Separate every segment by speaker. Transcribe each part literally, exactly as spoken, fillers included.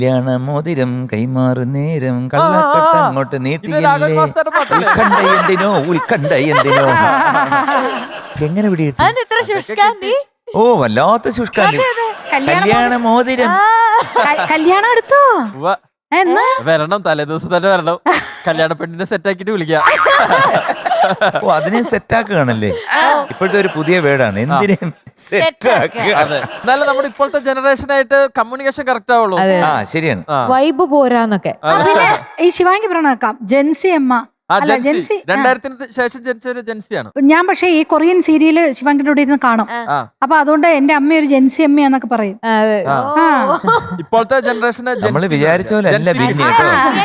Speaker 1: മോതിരം കൈമാറു നേരം കള്ളക്കട്ട അങ്ങോട്ട് നീട്ടിയല്ലേ ഉത്കണ്ഠ എന്തിനോ ഉത്കണ്ഠ എന്തിനോ എങ്ങനെ പിടികിട്ടി? ഓ വല്ലാത്ത ശുഷ്കാന്തി. കല്യാണ മോതിരം
Speaker 2: കല്യാണം എടുത്തോ? എന്ന്
Speaker 3: വരണം, തലേ ദിവസം തന്നെ വരണം. കല്യാണ പെണ്ണിനെ സെറ്റാക്കിട്ട് വിളിക്കാം.
Speaker 1: ഓ അതിനെ സെറ്റാക്കുകയാണല്ലേ? ഇപ്പോഴത്തെ ഒരു പുതിയ വേർഡാണ് എന്തിനേം സെറ്റാക്കുക.
Speaker 3: എന്നാലും നമ്മുടെ ഇപ്പോഴത്തെ ജനറേഷനായിട്ട് കമ്മ്യൂണിക്കേഷൻ കറക്റ്റ് ആവുള്ളൂ.
Speaker 1: ആ ശരിയാണ്.
Speaker 4: വൈബ് പോരാന്നൊക്കെ.
Speaker 2: പിന്നെ ഈ ശിവാംഗി പറഞ്ഞേക്കാം ജെൻസി അമ്മ.
Speaker 3: ജെൻസി രണ്ടായിരത്തിന് ശേഷം ജനിച്ച ഒരു ജെൻസിയാണ്
Speaker 2: ഞാൻ. പക്ഷെ ഈ കൊറിയൻ സീരിയല് ശിവാംഗിന്റെ കൂടെ ഇരുന്ന് കാണും. അപ്പൊ അതുകൊണ്ട് എന്റെ അമ്മ ഒരു ജെൻസി അമ്മയാന്നൊക്കെ പറയും.
Speaker 3: ഇപ്പോഴത്തെ ജനറേഷന്
Speaker 1: നമ്മള് വിചാരിച്ച പോലെ അല്ല ബിന്നി കേട്ടോ.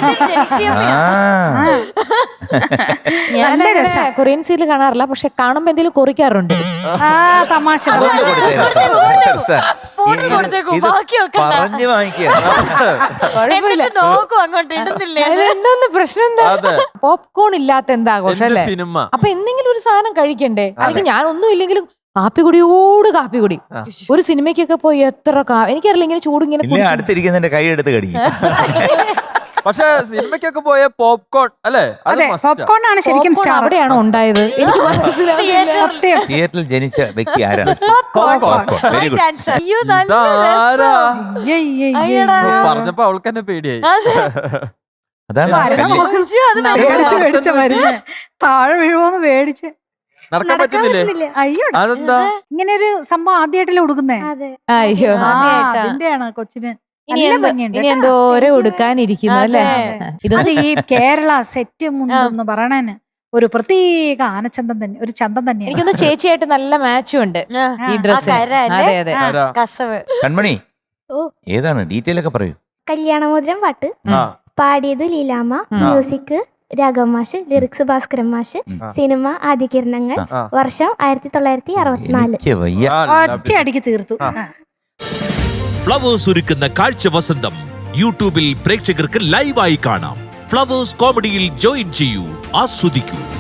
Speaker 4: ഞാൻ കൊറിയൻ സീരിയൽ കാണാറില്ല, പക്ഷെ കാണുമ്പോ എന്തെങ്കിലും കുറിക്കാറുണ്ട്.
Speaker 2: തമാശ
Speaker 1: പറഞ്ഞു വാങ്ങിക്കുക.
Speaker 4: എന്താന്ന് പ്രശ്നം എന്താ? പോപ്കോൺ ഇല്ലാത്ത എന്താ ആഘോഷം അല്ലേ?
Speaker 3: സിനിമ.
Speaker 4: അപ്പൊ എന്തെങ്കിലും ഒരു സാധനം കഴിക്കണ്ടേ? അല്ലെങ്കിൽ ഞാൻ ഒന്നും ഇല്ലെങ്കിലും കാപ്പി കുടിയോട് കാപ്പി കുടി. ഒരു സിനിമയ്ക്കൊക്കെ പോയി എത്ര എനിക്കറിയില്ല ഇങ്ങനെ ചൂട് ഇങ്ങനെ
Speaker 1: അടുത്തിരിക്കുന്നതിന്റെ കൈ എടുത്ത് കടിക്കും.
Speaker 3: പക്ഷെ സിനിമയ്ക്കൊക്കെ പോയ പോപ്കോൺ അല്ലേ?
Speaker 2: പോപ്കോൺ ആണ് ശരിക്കും.
Speaker 4: അവിടെയാണോ ഉണ്ടായത്? എനിക്ക് മനസ്സിലായില്ല.
Speaker 1: തിയേറ്ററിൽ ജനിച്ച വ്യക്തി ആരാണ്? Very good.
Speaker 3: പറഞ്ഞപ്പോ അവൾക്ക് തന്നെ പേടിയായി.
Speaker 1: അതാണ്
Speaker 2: താഴെ വീഴുമോന്ന് പേടിച്ച്
Speaker 3: നടക്കാൻ പറ്റുന്നില്ലേ?
Speaker 2: അയ്യോ
Speaker 3: അതെന്താ
Speaker 2: ഇങ്ങനെ ഒരു സംഭവം ആദ്യമായിട്ടല്ലേ ഉടുക്കുന്നേ?
Speaker 4: അയ്യോ
Speaker 2: അതിന്റെയാണ് കൊച്ചിന്.
Speaker 4: ഇനി എന്തോരം ഉടുക്കാനിരിക്കുന്നു അല്ലേ?
Speaker 2: ഇത് ഈ കേരള സെറ്റ് മുണ്ടെന്ന് പറയണേന് ഒരു പ്രത്യേക ആനച്ചന്തം തന്നെ, ഒരു ചന്തം തന്നെയാണ്.
Speaker 4: എനിക്കൊന്ന് ചേച്ചിയായിട്ട് നല്ല മാച്ചും ഉണ്ട് ഈ ഡ്രസ്. അതെ അതെ.
Speaker 1: കൺമണി ഏതാണ് ഡീറ്റെയിൽ ഒക്കെ പറയൂ.
Speaker 5: കല്യാണമോതിരം പാട്ട് പാടിയത് ലീലാമ്മ, മ്യൂസിക് രാഘവ മാഷ്, ലിറിക്സ് ഭാസ്കരൻ മാഷ്, സിനിമ ആദ്യകിരണങ്ങൾ, വർഷം ആയിരത്തി തൊള്ളായിരത്തി അറുപത്തിനാല്.
Speaker 2: ഒറ്റയടിക്ക് തീർത്തു.
Speaker 6: ഫ്ലവേഴ്സ് ഒരുക്കുന്ന കാഴ്ച വസന്തം യൂട്യൂബിൽ പ്രേക്ഷകർക്ക് ലൈവായി കാണാം. ഫ്ലവേഴ്സ് കോമഡിയിൽ ജോയിൻ ചെയ്യൂ, ആസ്വദിക്കൂ.